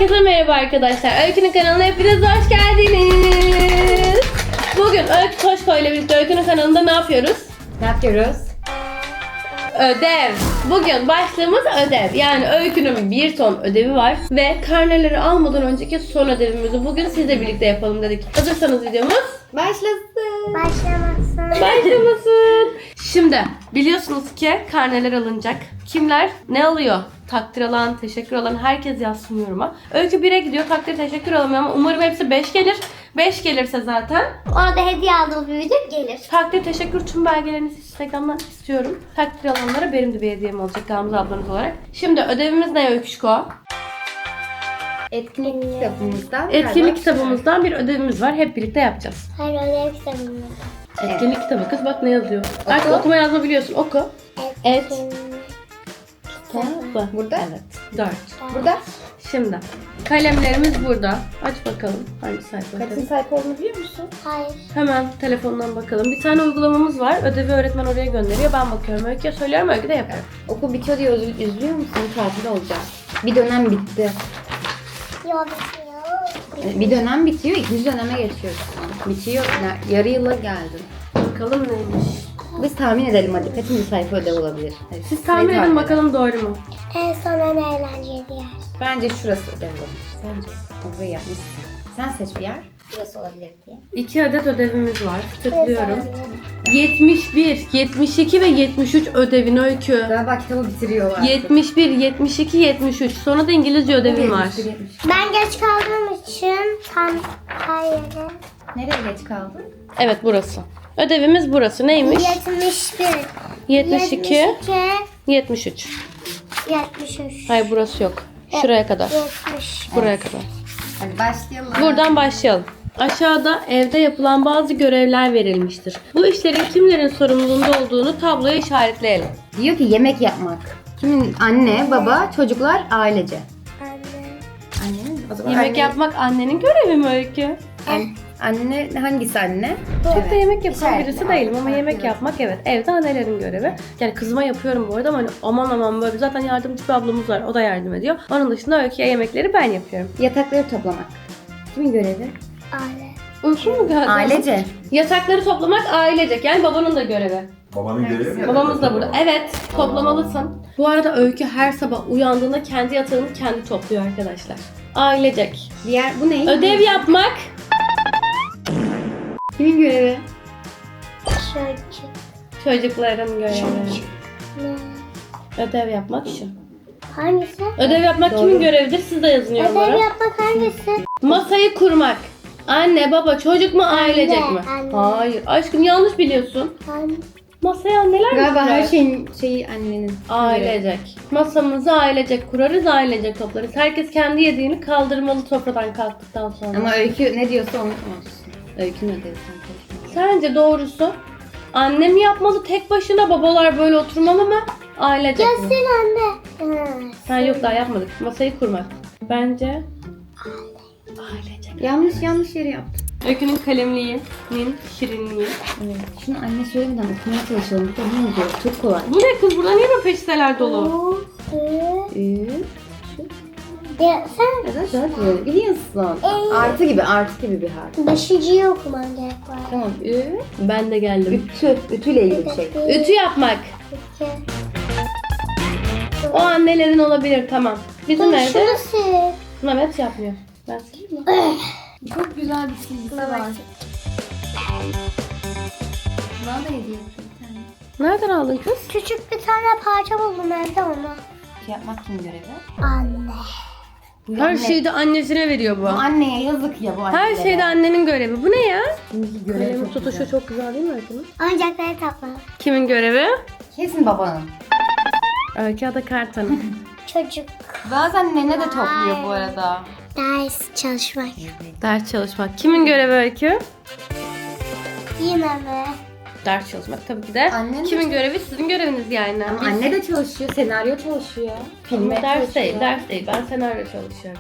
Herkese merhaba arkadaşlar. Öykü'nün kanalına hepiniz hoş geldiniz. Bugün Öykü Toşko ile birlikte Öykü'nün kanalında ne yapıyoruz? Ne yapıyoruz? Ödev. Bugün başlığımız ödev. Yani Öykü'nün bir ton ödevi var ve karneleri almadan önceki son ödevimizi bugün sizle birlikte yapalım dedik. Hazırsanız videomuz Başlasın. başlamasın. Şimdi biliyorsunuz ki karneler alınacak. Kimler ne alıyor? Takdir alan, teşekkür alan herkes yazsın yoruma. Öykü 1'e gidiyor, takdir teşekkür alamıyor ama umarım hepsi 5 gelir. 5 gelirse zaten Orada hediye aldığım bir video gelir. takdir teşekkür tüm belgelerinizi Instagram'dan istiyorum. Takdir alanlara benim de bir hediyem olacak Gamze ablanız olarak. Şimdi ödevimiz ne Öyküşko? Etkinlik kitabımızdan. Etkinlik kitabımızdan bir ödevimiz var. Hep birlikte yapacağız. Hayır ödev kitabım. Etkinlik kitabı kız bak ne yazıyor. Artık okuma yazma biliyorsun oku. Etkinlik Kitabı. Burada. Evet. 4. Burada. Şimdi kalemlerimiz burada. Aç bakalım hangi sayfa. Kaçıncı sayfa olduğunu biliyor musun? Hayır. Hemen telefondan bakalım. Bir tane uygulamamız var. Ödevi öğretmen oraya gönderiyor. Ben bakıyorum. Öykü'ye söylüyorum. Öykü de yapıyor. Okul bitiyor diye üzülüyor musun? Tatil olacak. Bir dönem bitti. Yok. Bir dönem bitiyor, ikinci döneme geçiyoruz. Bitiyor, yarı yıla geldin. Bakalım neymiş. Biz tahmin edelim hadi. Kaçıncı sayfa ödev olabilir? Hadi, Siz tahmin edin bakalım doğru mu? En son en eğlenceli yer. Bence şurası ödev olabilir. Sence? Orayı yapmışsın. Sen seç bir yer. Burası olabilir diye. 2 adet ödevimiz var. Tıklıyorum. 71, 72 ve 73 ödevin Öykü. Galiba kitabı bitiriyorlar. 71, 72, 73. Sonra da İngilizce ödevim var. Ben geç kaldığım için tam hayır. Nereye geç kaldın? Evet burası. Ödevimiz burası. Neymiş? 71. 72, 73. 73. Hayır burası yok. Şuraya kadar. 70. Buraya kadar. Hadi başlayalım. Buradan başlayalım. Aşağıda evde yapılan bazı görevler verilmiştir. Bu işlerin kimlerin sorumluluğunda olduğunu tabloya işaretleyelim. Diyor ki yemek yapmak. Kimin? Anne, baba, çocuklar, ailece. Anne. Annenin? O zaman Yemek anne, yapmak annenin görevi mi Öykü? Anne hangisi anne? Çok da yemek yapan İşaretle. birisi değilim ama Evet, yemek evet. yapmak evet evde annelerin görevi. Yani kızıma yapıyorum bu arada ama hani aman böyle zaten yardımcı bir ablamız var o da yardım ediyor. Onun dışında Öykü'ye yemekleri ben yapıyorum. Yatakları toplamak. Kimin görevi? Aile. Unuttun mu galiba? Ailece. Yatakları toplamak ailecek yani babanın da görevi. Babanın görevi mi? Babamız da burada. Evet, toplamalısın. Bu arada Öykü her sabah uyandığında kendi yatağını kendi topluyor arkadaşlar. Ailecek. Diğer bu ne? Ödev yapmak. Kimin görevi? Çocuk. Çocukların görevi. Ne? Ödev yapmak şu. Hangisi? Ödev yapmak kimin görevidir? Siz de yazın Ödev yorumlara. yapmak hangisi? Masayı kurmak. Anne, baba, çocuk mu, ailecek mi? anne. Hayır. Aşkım yanlış biliyorsun. Anne. Masayı anneler mi Galiba kurar? her şeyi annenin. Ailecek. Masamızı ailecek kurarız, ailecek toplarız. Herkes kendi yediğini kaldırmalı sofradan kalktıktan sonra. Ama Öykü ne diyorsa onu olsun. Öykünün ödevi sen konuşma. Sence doğrusu annem yapmalı tek başına, babalar böyle oturmalı mı? Ailecek mi? Sen anne. Ha. Sen yok daha yapmadık. Masayı kurmak. Bence ailecek. Yanlış yere yaptım. Öykünün kalemliğinin şirinliği. Evet. Şunu anne söylemeden okumaya çalışalım. Bu da ne yazıyor? Çok kolay. Bu ne kız? Burada niye böyle peçeteler dolu? Bu. Ya sen Neden böyle? Biliyorsun. Artı gibi bir harf. beşinciyi okuman gerek var. Tamam. Ben de geldim. Ütüyle ilgili bir şey. Ütü yapmak. İki. O annelerin olabilir tamam. Bizim Dur evde şunu sil. Mehmet yapmıyor. Ben sileyim mi? Çok güzel bir çizgisi var. Bana da hediye etti bir tane. Nereden aldın kız? Küçük bir tane parça buldum evde onu. Yapmak kim görevi? Anne. Bu Her anne- şeyi de annesine veriyor bu. Bu anneye yazık ya bu annelere. Her şeyde annenin görevi. Bu ne ya? Şimdiki görevi Kalemin çok tutuşu güzel. çok güzel değil mi Öykü'nün? Oyuncakları topla. Kimin görevi? Kesin babanın. Öykü Ada Kartan'ın. Çocuk. Bazen nene de topluyor bu arada. Ders çalışmak. Ders çalışmak. Kimin görevi Öykü? Yine mi? Ders çalışmak tabii ki de. Annen de Kimin görevi? Sizin göreviniz yani. Ama anne de çalışıyor, senaryo çalışıyor. Ama ders çalışıyor. değil, ders değil. Ben senaryo çalışıyorum.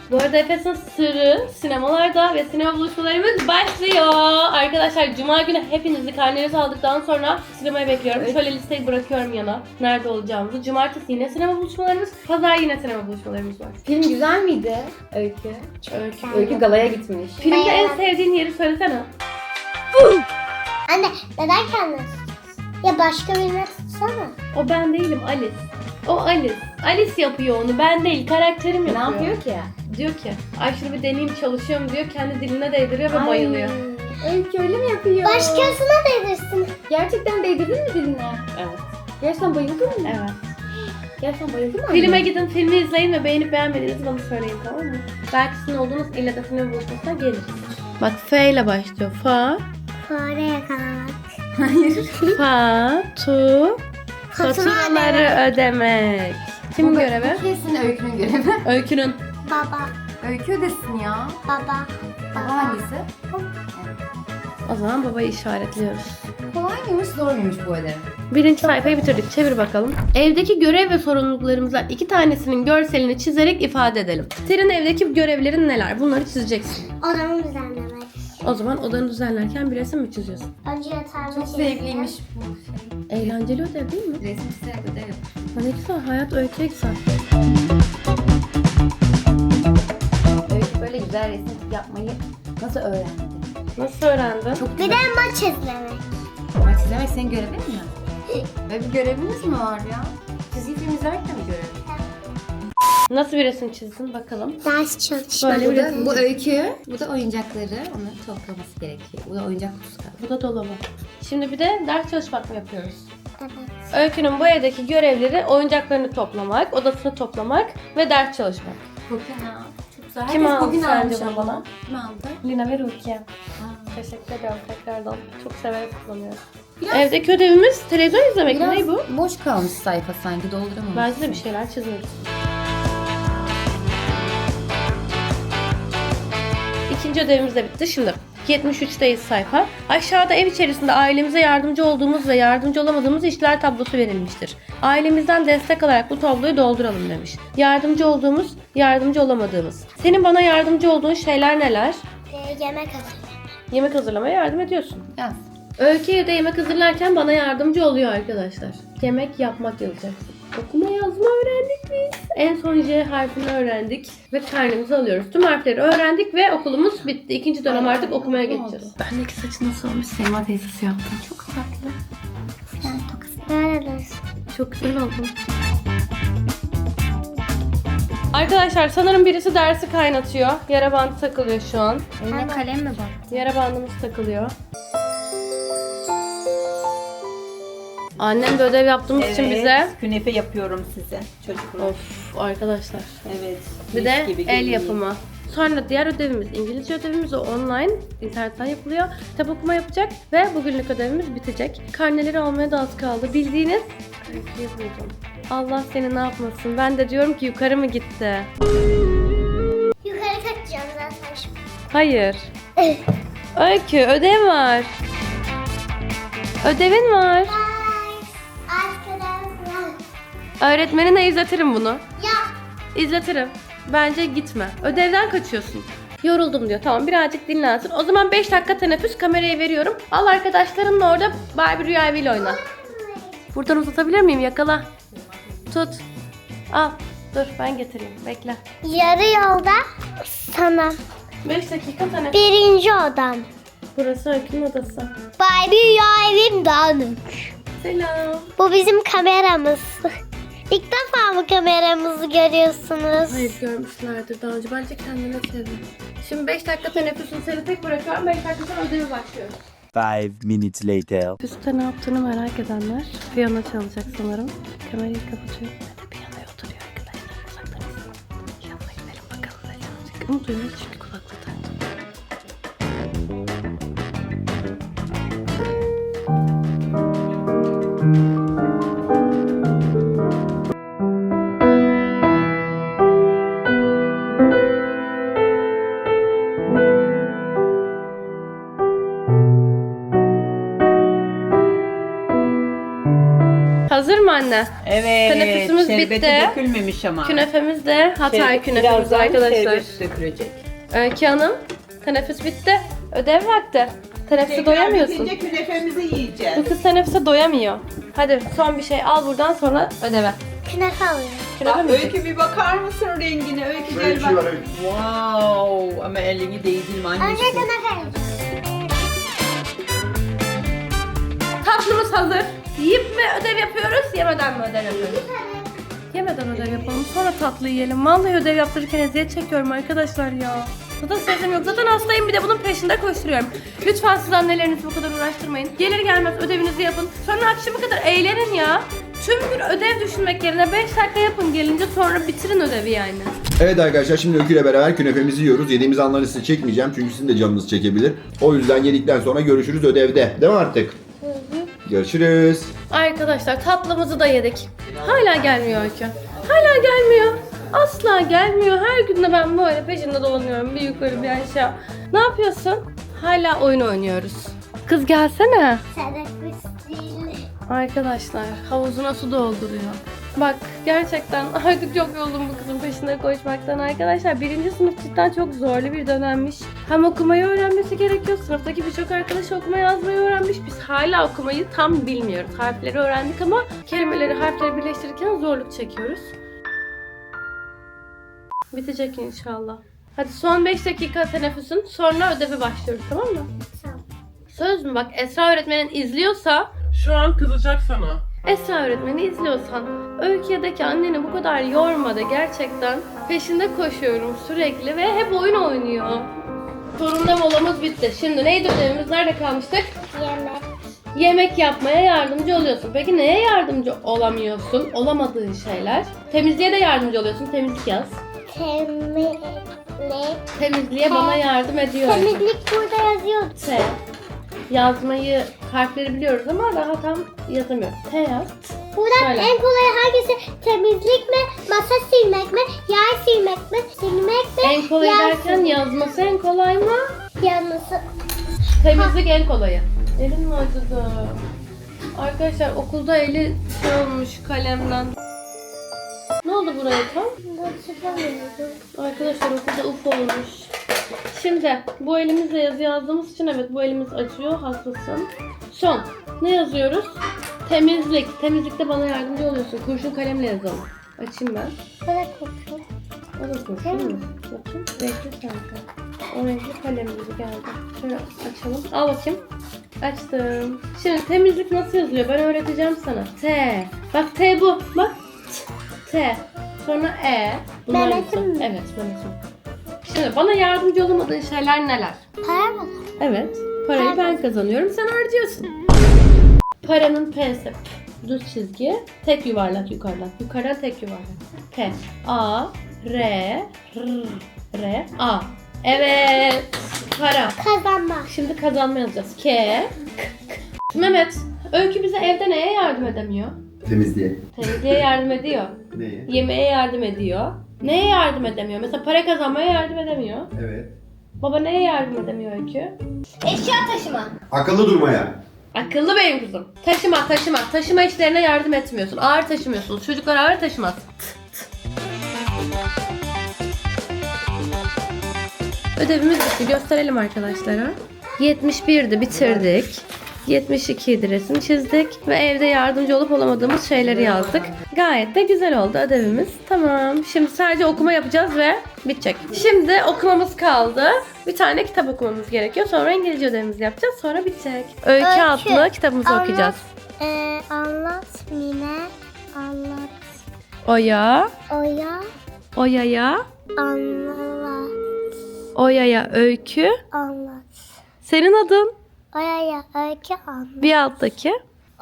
Bu arada Efes'in Sırrı sinemalarda ve sinema buluşmalarımız başlıyor. Arkadaşlar Cuma günü hepinizi karnelerinizi aldıktan sonra sinemaya bekliyorum. Şöyle listeyi bırakıyorum yana. Nerede olacağımızı. Cumartesi yine sinema buluşmalarımız. Pazar yine sinema buluşmalarımız var. Film güzel miydi Öykü? Öykü. Öykü galaya gitmiş. Filmde en sevdiğin yeri söylesene. Anne neden kendini tutuyorsun? Ya başka birine tutsana. O ben değilim, Alice. O Alice. Alice yapıyor onu, ben değil. Karakterim Ne yapıyor. yapıyor ki? Diyor ki, ay şunu bir deneyeyim çalışıyorum diyor. Kendi diline değdiriyor ve bayılıyor. Öykü öyle mi yapıyor? Başkasına değdirsin. Gerçekten değdirdin mi diline? Evet. Gerçekten bayıldın mı? Evet. Gerçekten bayıldın mı? Filme gidin, filmi izleyin ve beğenip beğenmediğinizi bana söyleyin, tamam mı? Belki sizin olduğunuz ille de film buluşmasına gelir. Bak F ile başlıyor. Fa, Fare yakalamak. Hayır. fa, tu, faturaları ödemek. Kimin Bu görevi? kesin Öykü'nün görevi. Öykünün. Baba. Öykü ödesin ya. Baba. Baba hangisi? O zaman babayı işaretliyoruz. Kolay mıymış zor muymuş bu ödev? Birinci sayfayı bitirdik. Çevir bakalım. Evdeki görev ve sorumluluklarımızdan 2 tanesinin görselini çizerek ifade edelim. Senin evdeki görevlerin neler? Bunları çizeceksin. Odamı düzenlemek. O zaman odanı düzenlerken bir resim mi çiziyorsun? Önce yatağımı Çok çizdim. zevkliymiş bu şey. Eğlenceli ödev değil mi? Resim çizerek ödev yapıyor. Ha, ne güzel. Hayat öyküye güzel. Öykü böyle güzel resim yapmayı nasıl öğrendi? Nasıl öğrendin? Çok Bir de maç izlemek. Maç izlemek senin görevin mi? Böyle bir göreviniz mi var ya? Çizgi film izlerken mi görev? Nasıl bir resim çizdin bakalım. Ders çalışmak. Böyle bir resim. Bu Öykü, bu da oyuncakları. Onu toplaması gerekiyor. Bu da oyuncak kutusu galiba. Bu da dolabı. Şimdi bir de ders çalışmak mı yapıyoruz? Evet. Öykünün bu evdeki görevleri oyuncaklarını toplamak, odasını toplamak ve ders çalışmak. Bugün ha. Çok güzel. Kim Herkes aldı bugün sence almış bunu ama. bana? Kim aldı? Lina ve Rukiye. Ha. Teşekkür ederim tekrardan. Çok severek kullanıyorum. Biraz- Evdeki ödevimiz televizyon izlemek mi? Ne bu? boş kalmış sayfa sanki dolduramamış. Bence de bir şeyler çizmek. İkinci ödevimiz de bitti. Şimdi 73'teyiz sayfa. Aşağıda ev içerisinde ailemize yardımcı olduğumuz ve yardımcı olamadığımız işler tablosu verilmiştir. Ailemizden destek alarak bu tabloyu dolduralım demiş. Yardımcı olduğumuz, yardımcı olamadığımız. Senin bana yardımcı olduğun şeyler neler? Yemek hazırlamak. Yemek hazırlamaya yardım ediyorsun. Yaz. Öykü'ye de yemek hazırlarken bana yardımcı oluyor arkadaşlar. Yemek yapmak yazacaksın. Okuma yazma öğrendik biz. En son J harfini öğrendik ve karnemizi alıyoruz. Tüm harfleri öğrendik ve okulumuz bitti. İkinci dönem artık okumaya geçeceğiz. Bendeki saçı nasıl olmuş? Selma teyzesi yaptı. Çok tatlı. Böyle dursun. Çok güzel oldu. Arkadaşlar sanırım birisi dersi kaynatıyor. Yara bandı takılıyor şu an. Eline kalem mi bak? Yara bandımız takılıyor. Annem de ödev yaptığımız için bize. Künefe yapıyorum size çocuklar. Of arkadaşlar. Evet. Bir mis de gibi el görünüyor. yapımı. Sonra diğer ödevimiz İngilizce ödevimiz, o online internetten yapılıyor. Kitap okuma yapacak ve bugünlük ödevimiz bitecek. Karneleri almaya da az kaldı. Bildiğiniz öyküyü buldum. Allah seni ne yapmasın. Ben de diyorum ki yukarı mı gitti? Yukarı kaçacağım zaten şimdi. Hayır. Öykü ödev var. Ödevin var. Arkadaşlar. Öğretmenine izletirim bunu. Ya. İzletirim. Bence gitme. Ödevden kaçıyorsun. Yoruldum diyor. Tamam birazcık dinlensin. O zaman 5 dakika teneffüs, kamerayı veriyorum. Al arkadaşlarınla orada Barbie Rüya Evi'yle oyna. Buradan uzatabilir miyim? Yakala. Tut. Al. Dur ben getireyim. Bekle. Yarı yolda sana. 5 dakika teneffüs. Birinci odam. Burası Öykü'nün odası. Barbie ya evim dağınık. Selam. Bu bizim kameramız. İlk defa mı kameramızı görüyorsunuz? Hayır görmüşlerdir daha önce. Bence kendine çevir. Şimdi 5 dakika teneffüsünü seni tek bırakıyorum. 5 dakika sonra ödevi başlıyoruz. 5 minutes later. Üstte ne yaptığını merak edenler piyano çalacak sanırım. Kamerayı kapatıyor. Hadi piyanoya oturuyor arkadaşlar. Uzaktan izleyin. Yanına gidelim bakalım ne çalacak. Ama duyuyoruz çünkü kulaklığı taktım. Hazır mı? mü anne? Evet. Teneffüsümüz şerbeti bitti. dökülmemiş ama. Künefemiz de Hatay künefemiz Birazdan arkadaşlar. şerbet dökülecek. Öykü Hanım, teneffüs bitti. Ödev vakti. Teneffüse doyamıyorsun. Bitince künefemizi yiyeceğiz. Bu kız teneffüse doyamıyor. Hadi son bir şey al buradan sonra ödeve. Künefe alıyorum. Künefe mi? Öykü bir bakar mısın rengine? Öykü Böyle bir gel şey bak. var, evet. Wow. Ama elini değdirme Önce annesi. künefe alacağım. Tatlımız hazır. Yiyip mi ödev yapıyoruz, yemeden mi ödev yapıyoruz? Yemeden ödev yapalım, sonra tatlı yiyelim. Vallahi ödev yaptırırken eziyet çekiyorum arkadaşlar ya. Zaten sesim yok. Zaten hastayım, bir de bunun peşinde koşturuyorum. Lütfen siz annelerinizi bu kadar uğraştırmayın. Gelir gelmez ödevinizi yapın. Sonra akşama kadar eğlenin ya. Tüm gün ödev düşünmek yerine 5 dakika yapın, gelince sonra bitirin ödevi yani. Evet arkadaşlar, şimdi Öykü ile beraber künefemizi yiyoruz. Yediğimiz anları size çekmeyeceğim çünkü sizin de canınız çekebilir. O yüzden yedikten sonra görüşürüz ödevde. Değil mi artık? Görüşürüz. Arkadaşlar tatlımızı da yedik. Hala gelmiyor Öykü. Hala gelmiyor. Asla gelmiyor. Her gün de ben böyle peşinde dolanıyorum. Bir yukarı bir aşağı. Ne yapıyorsun? Hala oyun oynuyoruz. Kız gelsene. Teneffüs değil. Arkadaşlar havuzuna su dolduruyor. Bak gerçekten artık çok yoruldum bu kızın peşinde koşmaktan arkadaşlar. 1. sınıf cidden çok zorlu bir dönemmiş. Hem okumayı öğrenmesi gerekiyor. Sınıftaki birçok arkadaş okuma yazmayı öğrenmiş. Biz hala okumayı tam bilmiyoruz. Harfleri öğrendik ama kelimeleri, harfleri birleştirirken zorluk çekiyoruz. Bitecek inşallah. Hadi son 5 dakika teneffüsün, sonra ödevi başlıyoruz, tamam mı? Tamam. Söz mü? Bak Esra öğretmenin izliyorsa, Şu an kızacak sana. Esra öğretmeni izliyorsan Öykü'ye de ki anneni bu kadar yorma da, gerçekten peşinde koşuyorum sürekli ve hep oyun oynuyor. Sorunla molamız bitti. Şimdi neydi ödevimiz? Nerede kalmıştık? Yemek. Yemek yapmaya yardımcı oluyorsun. Peki neye yardımcı olamıyorsun? Olamadığın şeyler. Temizliğe de yardımcı oluyorsun. Temizlik yaz. Temizlik. Temizliğe bana yardım ediyor. Temizlik burada yazıyor. T. Yazmayı, harfleri biliyoruz ama daha tam yazamıyoruz. T yaz. Buradan Şöyle. en kolay hangisi? Temizlik mi? Masa silmek mi? Yer silmek mi? Silmek mi? En kolay yer derken silmek. yazması en kolay mı? Yanlısı. Temizlik en kolayı. Elim mi acıdı? Arkadaşlar okulda eli şey olmuş kalemden. Ne oldu buraya tam? Arkadaşlar okulda uf olmuş. Şimdi bu elimizle yazı yazdığımız için evet bu elimiz acıyor, haklısın. Son. Ne yazıyoruz? Temizlik. Temizlikte bana yardımcı oluyorsun. Kurşun kalemle yazalım. Açayım ben. Böyle kokuyor. O da kurşun mu? Bakayım. Renkli sanki. O renkli kalemimiz geldi. Şöyle açalım. Al bakayım. Açtım. Şimdi temizlik nasıl yazılıyor? Ben öğreteceğim sana. T. Bak T bu. Bak. T. Sonra E. Bunlar Mehmet'im güzel. mi? Evet Mehmet'im. Şimdi bana yardımcı olamadığın şeyler neler? Para mı? Evet. Parayı ben kazanıyorum, sen harcıyorsun. Paranın P'si. Düz çizgi. Tek yuvarlak yukarıdan. Yukarıdan tek yuvarlak. P. A. R. R. A. Evet. Para. Kazanmak. Şimdi kazanma yazacağız. K. K. Mehmet. Öykü bize evde neye yardım edemiyor? Temizliğe. Temizliğe yardım ediyor. Neye? Yemeğe yardım ediyor. Neye yardım edemiyor? Mesela para kazanmaya yardım edemiyor. Evet. Baba neye yardım edemiyor Öykü? Eşya taşıma. Akıllı durmaya. Akıllı benim kızım. Taşıma. Taşıma işlerine yardım etmiyorsun. Ağır taşımıyorsunuz. Çocuklar ağır taşımaz. Ödevimiz bitti. Gösterelim arkadaşlara. 71'di, bitirdik. 72'ydi, resim çizdik. Ve evde yardımcı olup olamadığımız şeyleri yazdık. Gayet de güzel oldu ödevimiz. Tamam. Şimdi sadece okuma yapacağız ve bitecek. Şimdi okumamız kaldı. Bir tane kitap okumamız gerekiyor. Sonra İngilizce ödevimizi yapacağız. Sonra bitecek. Öykü adlı kitabımızı Anlat. okuyacağız. Anlat Mine. Anlat. Oya, Oya. Oya'ya, Anlat. Oya'ya öykü. Anlat. Senin adın Oya'ya öykü anlat. bir alttaki.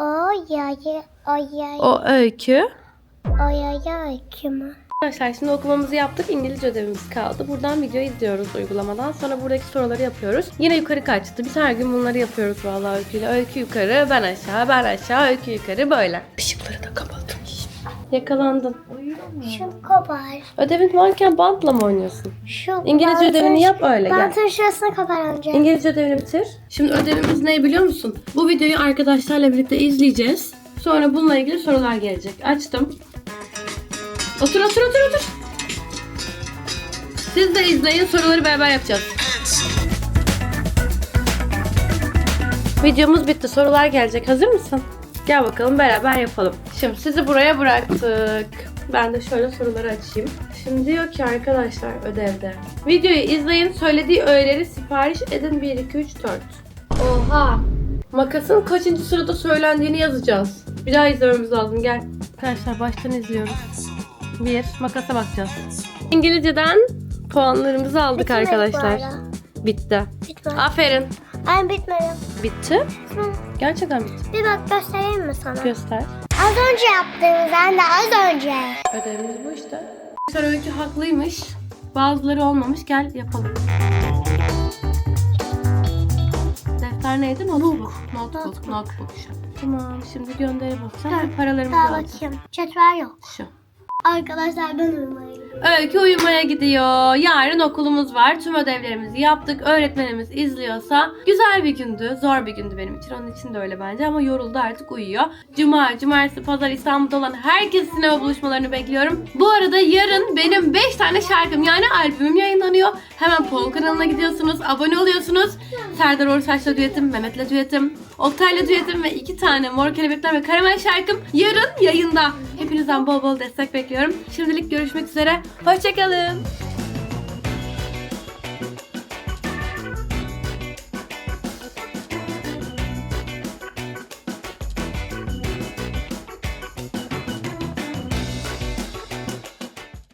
Oya'ya O öykü. öykü mü? Arkadaşlar şimdi okumamızı yaptık. İngilizce ödevimiz kaldı. Buradan video izliyoruz uygulamadan. Sonra buradaki soruları yapıyoruz. Yine yukarı kaçtı. Biz her gün bunları yapıyoruz vallahi öyküyle. Öykü yukarı, ben aşağı, ben aşağı, öykü yukarı böyle. Işıkları da kapattım. Yakalandın. Şu kopar. Ödevin varken bantla mı oynuyorsun? Şu İngilizce bantın- ödevini yap öyle gel. Bantın şurasını kopar önce. İngilizce ödevini bitir. Şimdi ödevimiz ne biliyor musun? Bu videoyu arkadaşlarla birlikte izleyeceğiz. Sonra bununla ilgili sorular gelecek. Açtım. Otur. Siz de izleyin, soruları beraber yapacağız. Videomuz bitti. Sorular gelecek. Hazır mısın? Gel bakalım beraber yapalım. Şimdi sizi buraya bıraktık. Ben de şöyle soruları açayım. Şimdi diyor ki arkadaşlar ödevde. Videoyu izleyin, söylediği öğeleri sipariş edin 1, 2, 3, 4. Oha! Makasın kaçıncı sırada söylendiğini yazacağız. Bir daha izlememiz lazım, gel. Arkadaşlar baştan izliyoruz. 1, makasa bakacağız. İngilizceden puanlarımızı aldık Bitmedi bu arkadaşlar. arada. Bitti. Bitmedi. Aferin. Ay bitmedi. Bitti. Gerçekten bitti. Bir bak göstereyim mi sana? Göster. Az önce yaptığımız anne az önce. Ödevimiz bu işte. Arkadaşlar Öykü haklıymış. Bazıları olmamış. Gel yapalım. Defter neydi? Notebook. Notebook. Tamam. Şimdi gönderi basacağım. Paralarımızı Daha alacağım. bakayım. Cetvel yok. Şu. Arkadaşlar ben uyumaya gidiyorum. Öykü uyumaya gidiyor. Yarın okulumuz var. Tüm ödevlerimizi yaptık. Öğretmenimiz izliyorsa güzel bir gündü. Zor bir gündü benim için. Onun için de öyle bence ama yoruldu artık uyuyor. Cuma, cumartesi, pazar İstanbul'da olan herkes sinema buluşmalarını bekliyorum. Bu arada yarın benim 5 tane şarkım yani albümüm yayınlanıyor. Hemen Pol kanalına gidiyorsunuz. Abone oluyorsunuz. Serdar Ortaç'la düetim, Mehmet'le düetim, Oktay'la düetim ve 2 tane Mor Kelebekler ve Karamel şarkım yarın yayında. Hepinizden bol bol destek bekliyorum. Şimdilik görüşmek üzere. Hoşçakalın.